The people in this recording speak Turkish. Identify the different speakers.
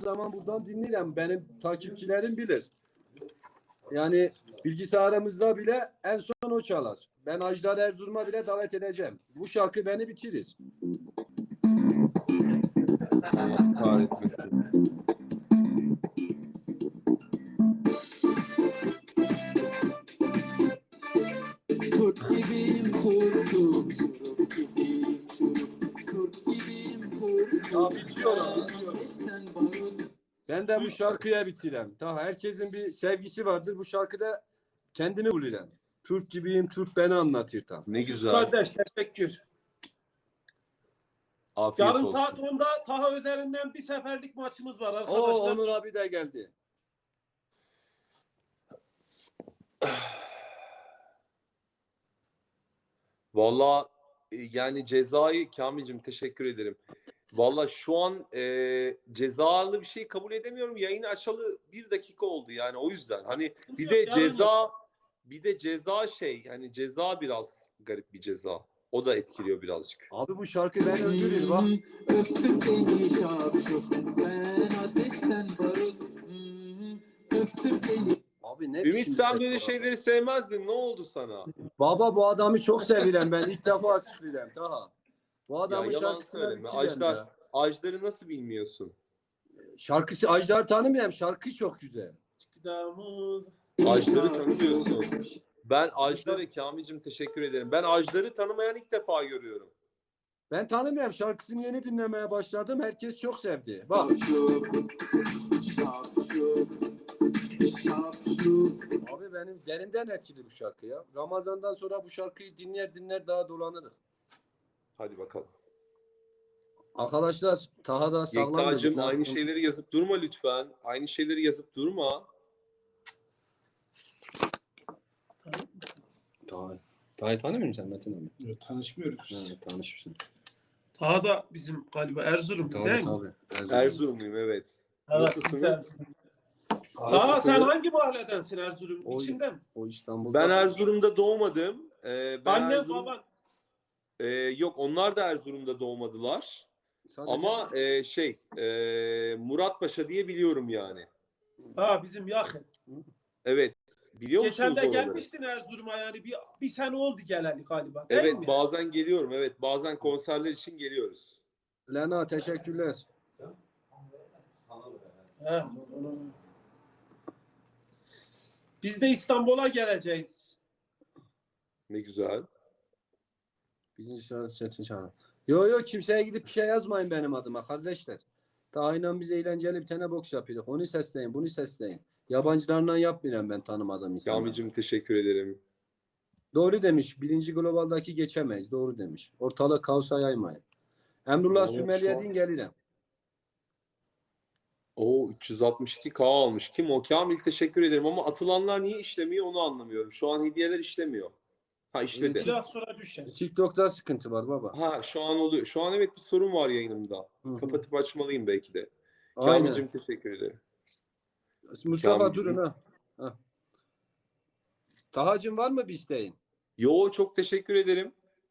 Speaker 1: zaman buradan dinlerim. Benim takipçilerim bilir. Yani bilgisayarımızda bile en son o çalar. Ben Ajdar Erzurum'a bile davet edeceğim. Bu şarkı beni bitirir.
Speaker 2: Allah kahretmesin.
Speaker 3: Kurt gibiyim kurtum, şurup gibiyim şurup. Kurt gibiyim kurtum.
Speaker 1: Ya bitiyorum.
Speaker 3: Sen barut.
Speaker 1: Ben de bu şarkıya bitirem. Daha herkesin bir sevgisi vardır. Bu şarkıda kendimi bulurum. Türk gibiyim, Türk beni anlatır tam.
Speaker 2: Ne güzel.
Speaker 4: Kardeş teşekkür.
Speaker 2: Afiyet
Speaker 4: Yarın
Speaker 2: olsun.
Speaker 4: saat 10'da Taha üzerinden bir seferlik maçımız var
Speaker 1: Oo,
Speaker 4: arkadaşlar.
Speaker 1: Onur abi de geldi.
Speaker 2: Vallahi yani cezayı Kamil'cim teşekkür ederim. Vallahi şu an cezalı bir şey kabul edemiyorum. Yayını açalı 1 dakika oldu yani o yüzden. Hani bir de ceza şey hani ceza biraz garip bir ceza. O da etkiliyor birazcık.
Speaker 1: Abi bu şarkı beni öldürür bak.
Speaker 3: Öptüm seni şapşuk. Ben ateşten barut. Öptüm seni.
Speaker 1: Abi ne
Speaker 2: Ümit
Speaker 1: biçim
Speaker 2: sen
Speaker 1: şey
Speaker 2: böyle
Speaker 1: bu?
Speaker 2: şeyleri sevmezdin. Ne oldu sana?
Speaker 1: Baba bu adamı çok sevilen ben ilk defa açıklayacağım. Daha. Bu
Speaker 2: Ya
Speaker 1: adamın
Speaker 2: yalan
Speaker 1: şarkısına
Speaker 2: söyleme.
Speaker 1: bitirem ya.
Speaker 2: Ajdar'ı nasıl bilmiyorsun?
Speaker 1: Şarkısı Ajdar tanımıyorum. Şarkı çok güzel.
Speaker 2: Ajdar'ı tanımıyorsun. Ben Ajdar'a Kamil'cim teşekkür ederim. Ben Ajdar'ı tanımayan ilk defa görüyorum.
Speaker 1: Ben tanımıyorum. Şarkısını yeni dinlemeye başladım. Herkes çok sevdi. Bak.
Speaker 3: Şapşuk. Şapşuk. Şapşuk.
Speaker 1: Abi benim derinden etkili bu şarkı ya. Ramazan'dan sonra bu şarkıyı dinler daha dolanırız.
Speaker 2: Hadi bakalım.
Speaker 1: Arkadaşlar Taha da sağlam dedik.
Speaker 2: Yekta'cığım
Speaker 1: Nasıl?
Speaker 2: aynı şeyleri yazıp durma lütfen. Aynı şeyleri yazıp durma.
Speaker 1: Taha'yı tanımıyor musun sen Metin abi?
Speaker 5: Yok, tanışmıyoruz.
Speaker 1: Ha, tanışmışsın.
Speaker 4: Taha da bizim galiba Erzurum değil mi?
Speaker 1: Tabii.
Speaker 2: Erzurumluyum evet.
Speaker 4: Evet,
Speaker 2: Nasılsınız?
Speaker 4: Taha sen hangi mahalledensin Erzurum?
Speaker 1: O-
Speaker 4: İçinde mi?
Speaker 1: O İstanbul'da.
Speaker 2: Ben Erzurum'da doğmadım. Ben
Speaker 4: Annem
Speaker 2: Erzurum...
Speaker 4: baban.
Speaker 2: Yok onlar da Erzurum'da doğmadılar.
Speaker 1: Sadece-
Speaker 2: Ama Muratpaşa diye biliyorum yani.
Speaker 4: Ha bizim yakın.
Speaker 2: Evet. Biliyor
Speaker 4: Geçen
Speaker 2: musunuz
Speaker 4: de
Speaker 2: oraları?
Speaker 4: gelmiştin Erzurum'a yani bir sene oldu geleli galiba değil
Speaker 2: Evet
Speaker 4: mi?
Speaker 2: bazen geliyorum. Evet bazen konserler için geliyoruz.
Speaker 1: Lena teşekkürler.
Speaker 4: He. Biz de İstanbul'a geleceğiz.
Speaker 2: Ne güzel.
Speaker 1: Birinci sıra Çetin Çağrı. Yo kimseye gidip bir şey yazmayın benim adıma kardeşler. Daha inan biz eğlenceli bir tane boks yapıyoruz. Onu sesleyin, bunu sesleyin. Yabancılarla yapmıyorum ben tanımadığım insanlar.
Speaker 2: Kamil'cim teşekkür ederim.
Speaker 1: Doğru demiş. Birinci globaldaki geçemeyiz. Doğru demiş. Ortalık kaosa yaymayın. Emrullah
Speaker 2: Vallahi
Speaker 1: Sümeliye
Speaker 2: şu an-
Speaker 1: din gelirim.
Speaker 2: O 362K almış. Kim o? Kamil teşekkür ederim ama atılanlar niye işlemiyor onu anlamıyorum. Şu an hediyeler işlemiyor. Ha işledi.
Speaker 4: Biraz sonra düşer.
Speaker 1: TikTok'ta sıkıntı var baba.
Speaker 2: Ha şu an oluyor. Şu an evet bir sorun var yayınımda.
Speaker 1: Hı.
Speaker 2: Kapatıp açmalıyım belki de.
Speaker 1: Aynen.
Speaker 2: Kamil'cim teşekkür ederim.
Speaker 1: Mustafa
Speaker 2: Kamil
Speaker 1: durun ha. Tahacığım var mı bir isteğin?
Speaker 2: Yo çok teşekkür ederim.